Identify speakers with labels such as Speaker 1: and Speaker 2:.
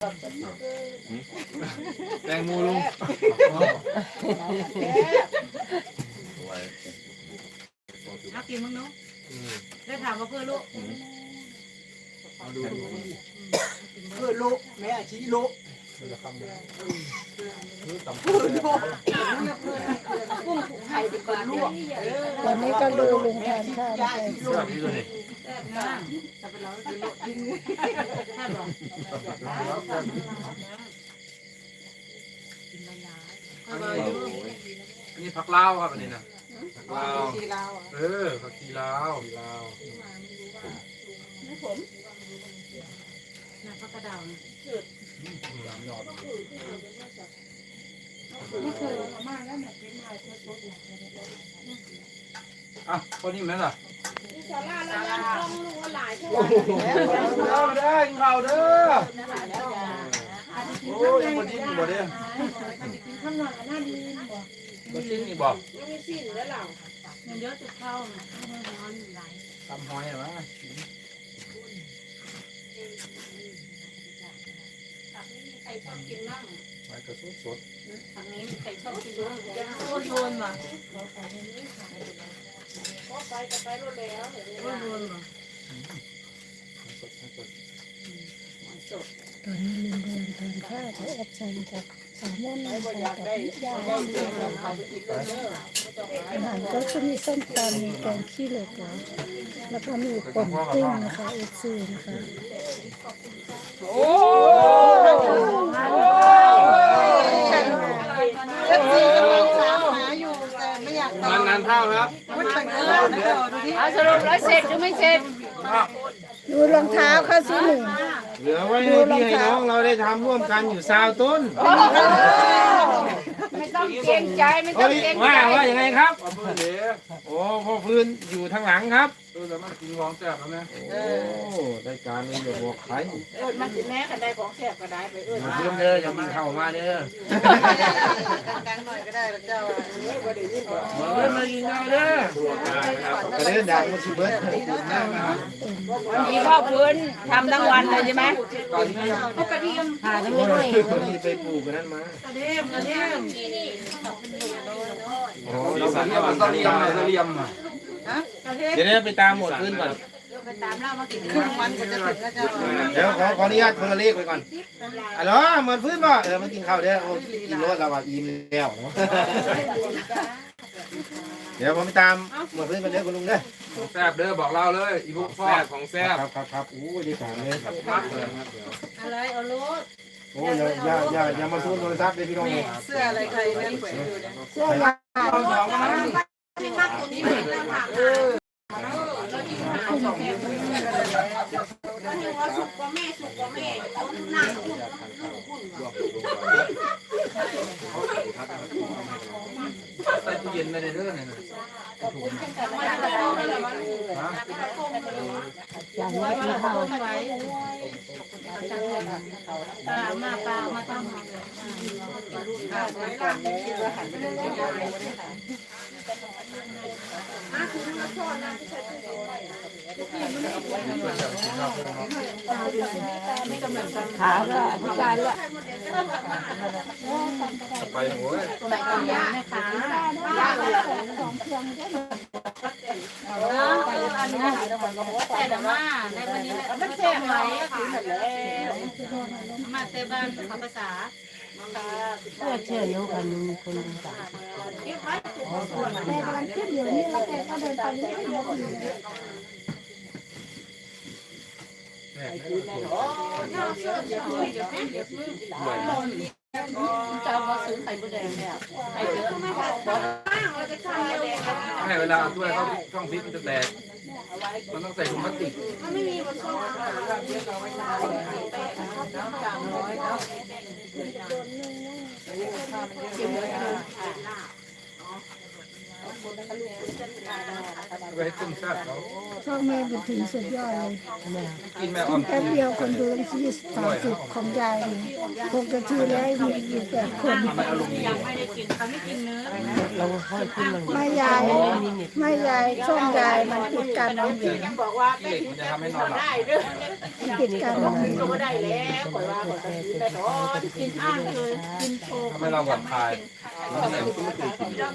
Speaker 1: แตงโมลุง
Speaker 2: นักกินมั้งเนาะได้ถามว่าเพื่อลูก
Speaker 3: เพื่อลูกแม่ชี้ลูกกุ้งไข่เป็นคนลวก
Speaker 4: ตอนนี้ก็ดูลุงทานข้าวไป
Speaker 1: สวัสดีตัวนี้
Speaker 2: จะเป็นเราเป็นลูกยิงแค่บอก
Speaker 1: อันนี้ผักลาวครับอันนี้นะผักลาว
Speaker 3: ชีลาว
Speaker 1: ผักชีลาวลาว
Speaker 3: ไม่ผม
Speaker 2: นะพักกระดาว
Speaker 1: อ่ะคนนี้ไหมล่ะ
Speaker 3: ชาลาแล้วยังต้องรู้ว่าหลายเท่า
Speaker 1: ได้ข่าวเด้อโอ้ยคนนี้อยู่บ่เด้อ
Speaker 4: ข้างหลังน่าดีบ่
Speaker 1: บ่จริงนี่บ่
Speaker 3: ยังไม่สิ้นแล้วเรา
Speaker 2: มันเยอะจุดเข้าร้อนไหล
Speaker 1: ตำหอยเหรอวะ
Speaker 3: ใครชอบกินมั่ง
Speaker 1: หอยกระสุนสด
Speaker 3: ทางนี้ใครชอบกินมั่งยัง
Speaker 2: โคตรโดนว่ะ
Speaker 3: ก็ไปก็ไปรถแล้ว
Speaker 2: โคตรโดนว่ะ
Speaker 1: สด
Speaker 4: ตอนนี้ลุงกำลังทานข้าวกับแอดชันกับสาวม่อนนะคะ
Speaker 3: อยาก
Speaker 4: กับ
Speaker 3: ได้
Speaker 4: พี่ยา
Speaker 3: ได้เรื่องเขาไปอีกเลย
Speaker 4: อาหารก็จะมีส้มตำมีแกงขี้เหล็กแล้วก็มีป่นกุ้งนะคะเอฟซีนะคะ
Speaker 1: โอ้
Speaker 3: เอฟซีกำลังถามหาอยู่แต่ไม่อยากตอบ
Speaker 1: นานเท่าครับ
Speaker 2: สรุปแล้วเสร็จหรือไม่เสร็จ
Speaker 4: ดูรองเท้าค่ะสิหนึ่ง
Speaker 5: เหลือไว้ให้พี่ให้น้องเราได้ทำร่วมกันอยู่ซาวต้น
Speaker 2: ไม่ต้องเกรงใจไม่ต้องเกรงใจ
Speaker 5: ว่ายังไงครับ
Speaker 1: เอาเพื่อนเด้อ
Speaker 5: โอ้พ่อพื้นอยู่ทางหลังครับ
Speaker 1: ตัวแต่มันกินของแซ่บแล้วนะ
Speaker 5: โอ้ได้การเลยอย่าบอกใคร
Speaker 3: มันสิแม่กันได้ของแซ่บก็ได้ไป
Speaker 5: อย่า
Speaker 3: เพื่
Speaker 5: เพิ่มเด้ออย่ามีเข้ามาเด้อ
Speaker 3: ดังๆหน่อยก็ได้เจ้าก็ได้ยินบ่
Speaker 5: มาเพิ่มมากินข้าวเด้อกระเด็นดังมาสิเบิร์ด
Speaker 2: มีพ่อพื้นทำทั้งวันเลยใช่ไหม
Speaker 1: ตอนนี้
Speaker 2: เขากระเทียมผ่าทั้ง
Speaker 5: โอ้
Speaker 2: วัน
Speaker 5: ยคนนี้ไปปลูกกันนั้นมาก
Speaker 2: ระเทียมกระเทียม
Speaker 5: โอ้
Speaker 1: สีสันเนี่ยมันต้องเลียมเลยต้องเลียมอ่ะ
Speaker 5: เดี๋ยวนี้ไปตามหมดพื้นก่อน
Speaker 2: ไปตามเล่ามากิน
Speaker 3: ครึ่งวันก็จะถึงแล้วเจ้า
Speaker 5: เดี๋ยวขออนุญาตคนละเลขไปก่อนอ๋อหมดพื้นป่ะมากินข้าวเด้อโอ้กินรถเราอ่ะอิ่มแล้วเดี๋ยวผมไปตามหมดพื้นกันเด้อคุณลุงเด้อ
Speaker 1: ของแซ่บเด้อบอกเราเลยอีพวกแซ่บของแซ่บ
Speaker 5: ครับอู้ดีสามเลย
Speaker 1: พักเลยครับเดี๋ยว
Speaker 2: อะไรเอารถ
Speaker 5: โอ้อย่ามาซูนโทรศัพท์เลยพี่น้องเลย
Speaker 3: เสื้ออะไรใครนั่นแขวนอยู่เนี่ย
Speaker 4: เสื้อยาว
Speaker 2: ที่มากตัวนี้เลยแล้วค่ะสุกกว่าแม่สุกกว่าแม่เอาหน้าคุณคุณ
Speaker 1: ใส่ตู้เย็นไปเลยเด้อเนี่ยนะ
Speaker 4: อย่างนี้ที่เขา
Speaker 2: ไว้มาปลามาตั้งมาเลย
Speaker 3: คิดว่าหันไปทางนี้
Speaker 4: ขาก็พิการละ
Speaker 1: ไปโอ้ย
Speaker 2: ใส่กระยานะคะยาเลยของเครื่องได้อันนี้ใส่แต่ว่าในวันนี้ไม่แซ่บไหมค่ะมาเตบ้านภาษา
Speaker 4: เพื่อเชื่อโยกันมีคนดูสาวแม่กำลังขึ้นอยู่นี่แล้วแกก็เดินไปนี่ก็ยกอยู่
Speaker 2: เจ้าก็ซื้อไข่มดแดงเนี่ยไข่เยอะไม่พอ
Speaker 1: ให้เวลาด้วยเขาช่องพริกมันจะแตกมันต้องใส่ถุงพลาสติก
Speaker 3: เ
Speaker 1: ไปให้ตึ้งแซ่บเขา
Speaker 4: ช่องแม่บุญถึงสุดยอดเลย
Speaker 1: กินแม่อ้อม
Speaker 4: แป๊บเดียวคนดูตั้ง30ของยายนี่6 นาทีแล้วมีอยู่8 คน
Speaker 2: ยังไม่ได้กินเขาไม่กินเนื้อ
Speaker 6: เราค่อยขึ้นมา
Speaker 4: ไม่ยายช่องยายมันปิดการมองเห็น
Speaker 3: บอกว่า
Speaker 1: ขี้เหล็กมันจะทำให้นอนหลับ
Speaker 3: ได้เด้อ
Speaker 4: ปิดการมองเห็น
Speaker 3: ก็ได้แล้วข่อยว่าข่อยได้ถอน
Speaker 2: กินอ้างเลยกินโชว์
Speaker 1: ทำให้เราผ่อนคลาย